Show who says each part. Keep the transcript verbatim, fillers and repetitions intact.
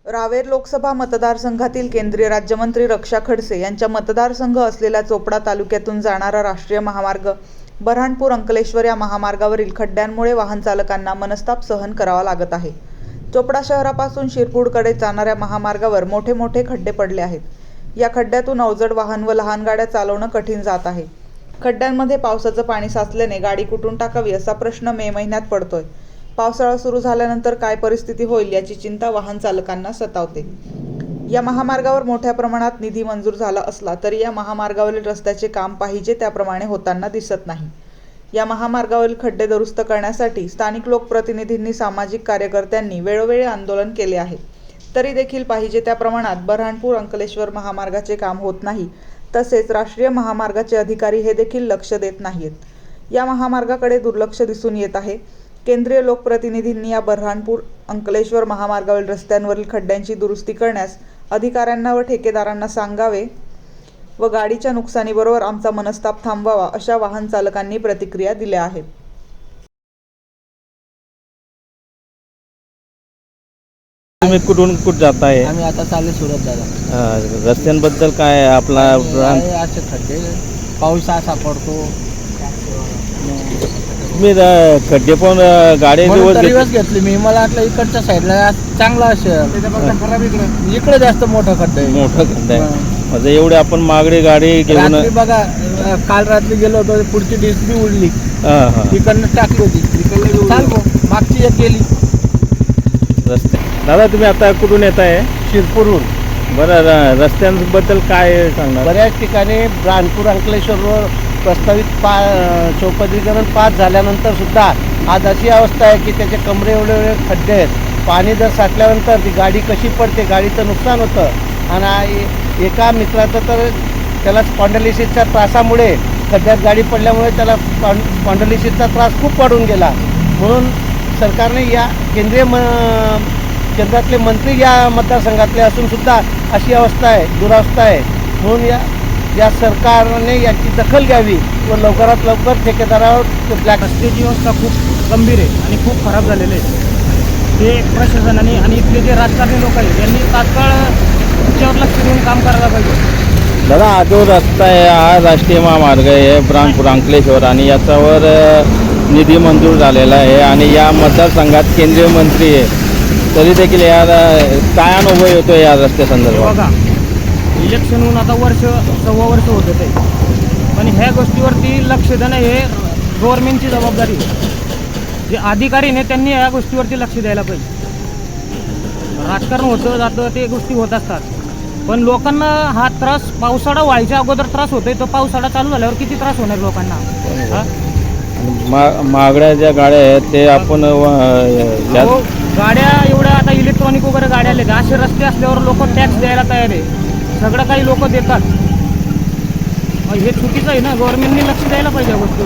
Speaker 1: रावेर लोकसभा मतदारसंघातील केंद्रीय राज्यमंत्री रक्षा खडसे यांच्या मतदारसंघ असलेल्या चोपडा तालुक्यातून जाणारा राष्ट्रीय महामार्ग बऱ्हाणपूर अंकलेश्वर या महामार्गावरील खड्ड्यांमुळे वाहन चालकांना मनस्ताप सहन करावा लागत आहे। चोपडा शहरापासून शिरपूरकडे जाणाऱ्या महामार्गावर मोठे मोठे खड्डे पडले आहेत। या खड्ड्यातून अवजड वाहन व लहान गाड्या चालवणं कठीण जात आहे। खड्ड्यांमध्ये पावसाचं पाणी साचल्याने गाडी कुठून टाकावी असा प्रश्न मे महिन्यात पडतोय। पावसाळा सुरू झाल्यानंतर काय परिस्थिती होईल याची चिंता वाहन चालकांना सतावते। या महामार्गावर मोठ्या प्रमाणात निधी मंजूर झाला असला तरी या महामार्गावरील रस्त्याचे काम पाहिजे त्याप्रमाणे होताना दिसत नाही। या महामार्गावरील खड्डे दुरुस्त करण्यासाठी स्थानिक लोकप्रतिनिधींनी, सामाजिक कार्यकर्त्यांनी वेळोवेळी आंदोलन केले आहे, तरी देखील पाहिजे त्या प्रमाणात बऱ्हाणपूर अंकलेश्वर महामार्गाचे काम होत नाही। तसेच राष्ट्रीय महामार्गाचे अधिकारी हे देखील लक्ष देत नाहीत। या महामार्गाकडे दुर्लक्ष दिसून येत आहे। केंद्रीय लोकप्रतिनिधींनी या बऱ्हाणपूर अंकलेश्वर महामार्गावरील रस्त्यांवरील खड्ड्यांची दुरुस्ती करण्यास अधिकाऱ्यांना व ठेकेदारांना सांगावे व गाडीच्या नुकसानीबरोबर आमचा मनस्ताप थांबवावा अशा वाहन चालकांनी प्रतिक्रिया दिल्या आहेत।
Speaker 2: तुम्ही कुठून कुठ जाताय?
Speaker 3: आम्ही आता चालले सुरत जायला।
Speaker 2: रस्त्यांबद्दल काय आहे आपला?
Speaker 3: असे खड्डे, पाऊस असा पडतो।
Speaker 2: मी खड्डे पण गाडी
Speaker 3: दिवस घेतली मी, मला वाटलं इकडच्या साईडला चांगला असेल, इकडे जास्त मोठा खड्डा आहे।
Speaker 2: मोठा खड्डा आहे म्हणजे एवढे आपण मागडी गाडी घेऊन
Speaker 3: बघा, काल रात्री गेलो होतो, पुढची डिस्क बी उडली, इकडनं टाकली होती, चालतो मागची एक गेली।
Speaker 2: रस्ते दादा, तुम्ही आता कुठून येत आहे?
Speaker 3: शिरपूरहून।
Speaker 2: बरं, रस्त्यांबद्दल काय सांगणार?
Speaker 3: बऱ्याच ठिकाणी बऱ्हाणपूर अंकलेश्वरवर प्रस्तावित पा चौपदरीकरण पास झाल्यानंतर सुद्धा आज अशी अवस्था आहे की त्याचे कमरे एवढे एवढे खड्डे आहेत। पाणी जर साठल्यानंतर ती गाडी कशी पडते, गाडीचं नुकसान होतं। आणि एका मित्राचं तर त्याला स्पॉन्डलिसिसच्या त्रासामुळे, खड्ड्यात गाडी पडल्यामुळे त्याला स्पॉन्डलिसिसचा त्रास खूप वाढून गेला। म्हणून सरकारने या केंद्रीय म केंद्रातले मंत्री या मतदारसंघातले असून सुद्धा अशी अवस्था आहे, दुरावस्था आहे। म्हणून या या सरकारने याची दखल घ्यावी व लवकरात लवकर ठेकेदारावर ब्लॅक
Speaker 4: रस्त्याची अवस्था खूप गंभीर आहे आणि खूप खराब झालेले आहे। ते प्रशासनाने आणि इथले जे राजकारणी लोक आहेत यांनी तात्काळ त्याच्यावर लक्ष देऊन काम करायला पाहिजे।
Speaker 2: दादा, हा जो रस्ता आहे हा राष्ट्रीय महामार्ग आहे बऱ्हाणपूर अंकलेश्वर आणि याच्यावर निधी मंजूर झालेला आहे आणि या मतदारसंघात केंद्रीय मंत्री आहे, तरी देखील या काय अनुभव येतो या रस्त्यासंदर्भात?
Speaker 4: बघा, इलेक्शन होऊन आता वर्ष सव्वा वर्ष होत होते, पण ह्या गोष्टीवरती लक्ष देणं हे गव्हर्नमेंटची जबाबदारी आहे। जे अधिकारी ने त्यांनी या गोष्टीवरती लक्ष द्यायला पाहिजे। राजकारण होतं जातं, ते गोष्टी होत असतात, पण लोकांना हा त्रास पावसाळा व्हायच्या अगोदर त्रास होतोय, तो पावसाळा चालू झाल्यावर किती त्रास होणार लोकांना?
Speaker 2: मा मागड्या ज्या गाड्या आहेत ते आपण
Speaker 4: गाड्या एवढ्या आता इलेक्ट्रॉनिक वगैरे गाड्या आल्या, असे रस्ते असल्यावर लोक टॅक्स द्यायला तयार आहे, सगळं काही लोक देतात। हे चुकीचं आहे ना, गव्हर्नमेंटने लक्ष द्यायला पाहिजे गोष्टी।